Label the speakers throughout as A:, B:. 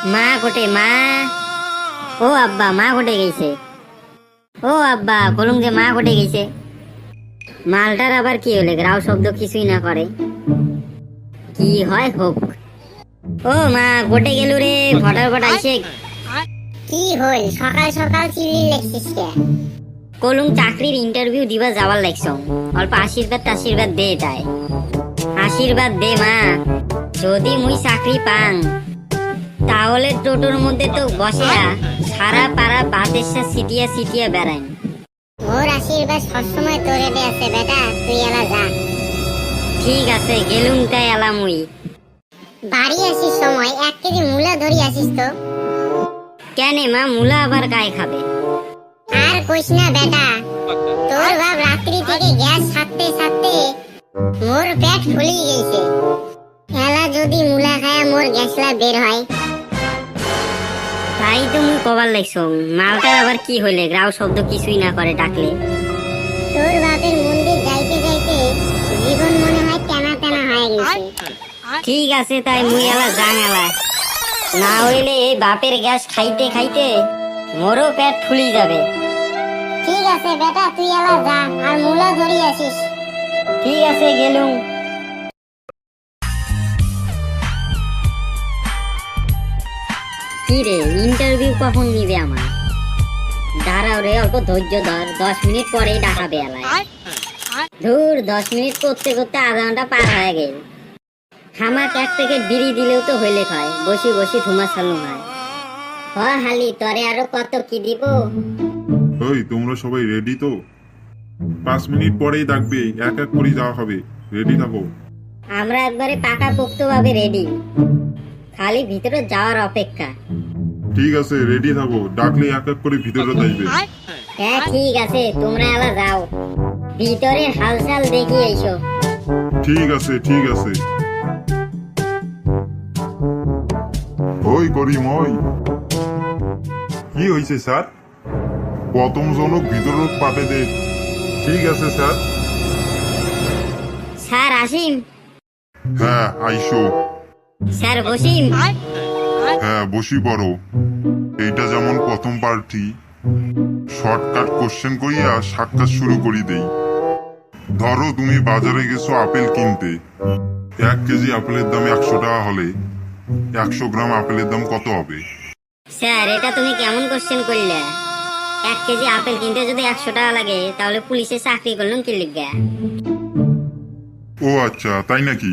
A: মা কোটে মা। ও আব্বা মা কোটে গেছে। ও আব্বা কলুম যে মা কোটে গেছে। মালটার আবার কি হলে গ্রাউ শব্দ কিছুই না করে, কি হয় হোক। ও মা কোটে গেল রে, ফটার ফট আইসে।
B: কি হল সকাল সকাল চিল্লি লেখছিস কে?
A: কলুম চাকরির ইন্টারভিউ দিবা যাবার লাগছ, অল্প আশীর্বাদ দে তাই। আশীর্বাদ দে মা, যদি মুই চাকরি পাং তাহলে টোটোর মধ্যে তো বসে সারা পাড়া বাতেসা সিটিয়া সিটিয়া বেড়াই।
B: মোর আশীর্বাদ সবসময় তোরে দে আছে বেটা, তুই এলা যা।
A: ঠিক আছে গেলুম তাই এলা মুই।
B: বাড়ি আসিস সময় 1 কেজি মূলা ধরি আসিস তো।
A: কেনে মা, মুলা আবার গায়ে খাবে?
B: আর কইস না বেটা, তোর বাপ রাত্রি থেকে গ্যাস ছাড়তে ছাড়তে মোর পেট ফুলি গেছে। এলা যদি মূলা খায়া মোর গ্যাসলা বের হয়।
A: তাই তো মুই কবার লাগছ, মালটার আবার কি হইলে গ্রাউ শব্দ কিছুই না করে ডাকলে।
B: তোর বাপের মন্দির যাইতে যাইতে জীবন মনে হয় টানা টানা হয়ে গেছে।
A: ঠিক আছে তাই মুই এলা যাং এলা, না হইলে এই বাপের গ্যাস খাইতে খাইতে মোরও পেট ফুলি যাবে।
B: ঠিক আছে বেটা, তুই এলা যা আর মূলা ধরি আসিস।
A: ঠিক আছে গেলুম। কি রে, ইন্টারভিউ কখন নিবে আমার? দাঁড়াও রে, অল্প ধৈর্য ধর, 10 মিনিট পরেই ডাকাবে এলায়। ধুর, 10 মিনিট করতে করতে আধা ঘন্টা পার হয়ে গেল। হামাক 1 প্যাকেট বিড়ি দিলেও তো হইলে খায়, বসি বসি ধুমা চালু হয়। হালি তরে আরো কত কি দিব?
C: ওই তোমরা সবাই রেডি তো? 5 মিনিট পরেই ডাকবে, এক এক করে যাওয়া হবে, রেডি থাকো।
A: আমরা একবারে পাকা পোক্ত ভাবে রেডি, খালি ভিতরে যাওয়ার অপেক্ষা।
C: ঠিক আছে রেডি থাকো, ডাকলে এক এক করে ভিতরে যাইবে।
A: হ্যাঁ ঠিক আছে, তোমরা এলা যাও, ভিতরের হালচাল দেখি এসো।
C: ঠিক আছে ঠিক আছে। ওই করিম, ওই কি হয়েছে স্যার? প্রথম জনক ভিতর পাঠে দে। ঠিক আছে স্যার।
A: স্যার আসিম।
C: হ্যাঁ আইসো।
A: স্যার বসিম।
C: হ্যাঁ বসি পড়ো। এইটা যেমন প্রথম পার্টি, শর্টকাট কোশ্চেন করিয়া সাক্ষাৎ শুরু করি দেই। ধরো তুমি বাজারে গেছো আপেল কিনতে। 1 কেজি আপেলের দাম 100 টাকা হলে 100 গ্রাম আপেলের দাম কত হবে?
A: স্যার এটা তুমি কেমন কোশ্চেন করলে? 1 কেজি আপেল কিনতে যদি 100 টাকা লাগে, তাহলে পুলিশে চাকরি করলাম কি লিখবে?
C: ও আচ্ছা তাই নাকি?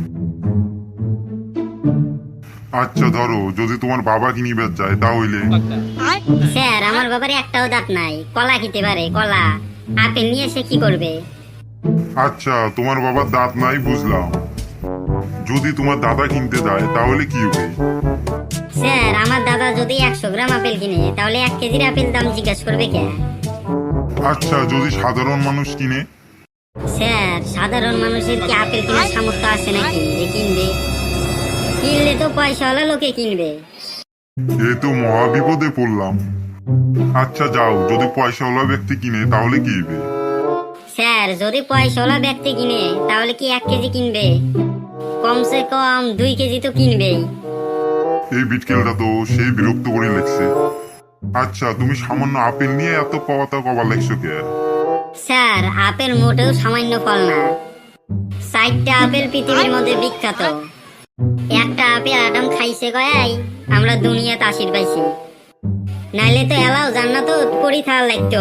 C: আচ্ছা ধরো যদি তোমার বাবা কিনিবে যায় তাহলে?
A: স্যার আমার বাবার একটাও দাঁত নাই, কলা খেতে পারে, কলা। আপেল নিয়ে সে কি করবে?
C: আচ্ছা তোমার বাবার দাঁত নাই বুঝলাম, যদি তোমার দাদা কিনতে যায় তাহলে কি হবে?
A: স্যার আমার দাদা যদি 100 গ্রাম আপেল কিনে, তাহলে 1 কেজির আপেল দাম জিজ্ঞাসা করবে কে?
C: আচ্ছা যদি সাধারণ মানুষ কিনে?
A: স্যার সাধারণ মানুষের কি আপেল কেনার সামর্থ্য আছে নাকি যে কিনবে? কিনলে তো পয়সাওয়ালা লোকে কিনবে।
C: এ তো মহা বিপদে পড়লাম। আচ্ছা যাও, যদি পয়সাওয়ালা ব্যক্তি কিনে তাহলে কি হবে?
A: স্যার যদি পয়সাওয়ালা ব্যক্তি কিনে, তাহলে কি 1 কেজি কিনবে? কমসে কম 2 কেজি তো কিনবেই।
C: এই বিটকেলটা তো সেই বিরক্ত করে লেগছে। আচ্ছা তুমি সামান্য আপেল নিয়ে এত পাওয়াতা কবার লেগছো কে?
A: স্যার আপেল মোটেও সামান্য ফল না, 4টা আপেল পৃথিবীর মধ্যে বিখ্যাত। একটা আপেল আদম খাইছে গয়াই আমরা দুনিয়াতে আশীর পাইছি, নাইলে তো এলাও জান্নাত করি থাকা লাগতো।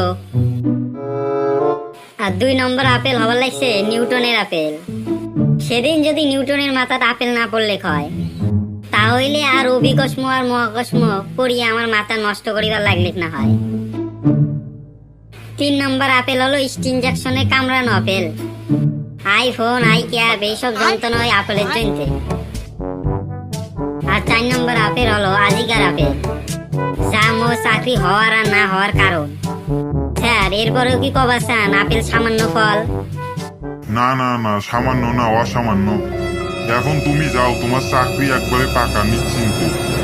A: আর 2 নম্বর আপেল হবার লাগছে নিউটনের আপেল। সেদিন যদি নিউটনের মাথাতে আপেল না পড়লে হয়, তাহলে আর অভিকস্ম আর মহাকস্ম পড়িয়ে আমার মাথা নষ্ট করিবার লাগলে না হয়। 3 নম্বর আপেল হলো ইনজেকশনে কামড়ানো আপেল। আইফোন আই ক্যাব এইসব যন্ত্রণা হয় আপেলের জন্য। আর 4 নম্বর আপেল হলো আজিকার আপেল, যা মোর চাকরি হওয়ার আর না হওয়ার কারণ। স্যার এরপরেও কি কবার চান আপেল সামান্য ফল?
C: না না না, সামান্য না, অসামান্য। এখন তুমি যাও, তোমার চাকরি একবারে পাকা নিশ্চিন্তে।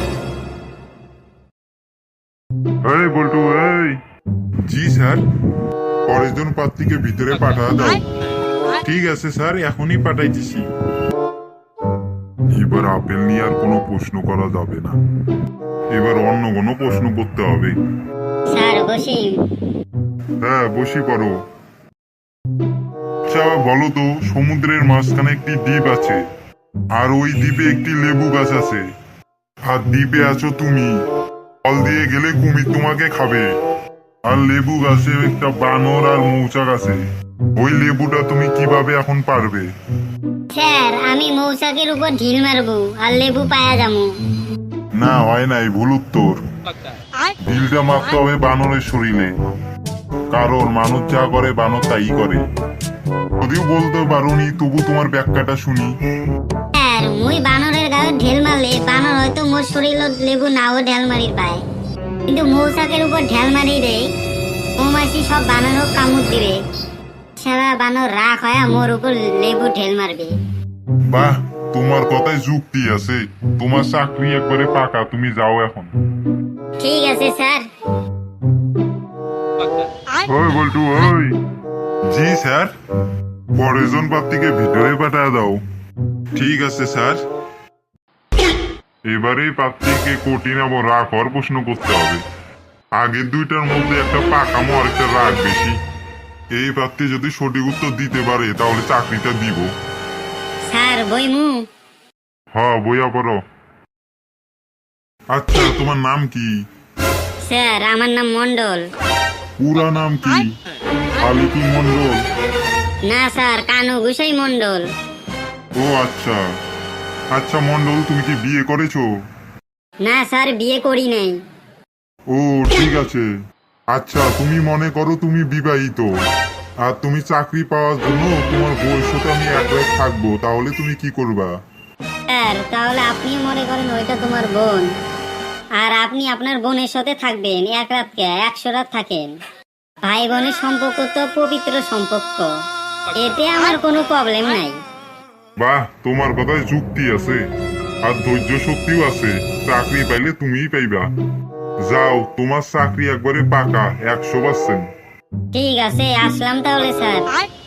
C: এই বল্টু, এই। জি স্যার, পরের জন প্রার্থীকে ভিতরে পাঠা দাও। ঠিক আছে স্যার, এখনই পাঠাইতেছি। এবার আপেল নিয়ে আর কোনো প্রশ্ন করা যাবে না, এবার অন্য কোনো প্রশ্ন করতে হবে।
A: স্যার বসি।
C: হ্যাঁ বসি পড়ো। আচ্ছা বলো তো, সমুদ্রের মাঝখানে একটি দ্বীপ আছে, আর ওই দ্বীপে একটি লেবু গাছ আছে, আর দ্বীপে আছো তুমি। ফল দিয়ে গেলে কুমির তোমাকে খাবে, আর লেবু গাছে একটা বানর আর মৌচাক আছে। ওই লেবুটা তুমি কিভাবে এখন পারবে?
A: স্যার আমি মৌচাকের উপর ঢিল মারবো আর লেবু পায়া যাবো।
C: না হয় নাই, ভুল উত্তর। ঢিলটা মারতে হবে বানরের শরীরে, কারণ মানুষ যা করে বানর তাই করে। যদিও বলতে পারোনি, তবু তোমার ব্যাখ্যাটা শুনি।
A: স্যার মুই বানরের গায়ে ঢেল মারলে বানর হয়তো মোর শরীরত লেবু নাও ঢেল মারি পায়, কিন্তু মৌচাকের উপর ঢেল মারি দেই মৌমাছি সব বানরক কামড় দিবে, সারা বানর রাগ হয় মোর উপর লেবু ঢেল মারবে।
C: বাহ, তোমার কথায় যুক্তি আছে। তোমার চাকরি একবারে পাকা, তুমি যাও এখন।
A: ঠিক আছে স্যার।
C: ওই বল্টু, ওই। জি স্যার, পরেরজন প্রার্থীকে ভিতরে পাঠায় দাও। ঠিক আছে স্যার। এবারে প্রার্থীকে কঠিন এবং রাগ হওয়ার প্রশ্ন করতে হবে। আগের দুইটার মধ্যে একটা পাকামো আর একটা রাগ বেশি। এই প্রার্থী যদি সঠিক উত্তর দিতে পারে তাহলে চাকরিটা দিব।
A: স্যার বইমু।
C: হ্যাঁ বইয়া পড়ো। আচ্ছা তোমার নাম কি?
A: স্যার আমার নাম মন্ডল।
C: পুরা নাম কি? আলিকি মন্ডল?
A: না স্যার কানু গুসাই মন্ডল।
C: ও আচ্ছা। আচ্ছা মন্ডল, তুমি কি বিয়ে করেছো?
A: না স্যার বিয়ে করি নাই।
C: ও ঠিক আছে। আচ্ছা তুমি মনে করো তুমি বিবাহিত, আর তুমি চাকরি পাওয়ার জন্য তোমার বউয়ের সাথে আমি এক রাত থাকবো, তাহলে তুমি কি করবা?
A: স্যার তাহলে আপনি মনে করেন ওইটা তোমার বোন, আর আপনি আপনার বোনের সাথে থাকবেন এক রাতকে 100 রাত থাকেন। ভাই বোনের সম্পর্ক তো পবিত্র সম্পর্ক, এতে আমার কোনো প্রবলেম নাই।
C: বাহ, তোমার কথায় যুক্তি আছে, আর ধৈর্য শক্তিও আছে। চাকরি পাইলে তুমিই পাইবা। যাও, তোমার চাকরি একবারে পাকা 100%।
A: ঠিক আছে আসলাম তাহলে স্যার।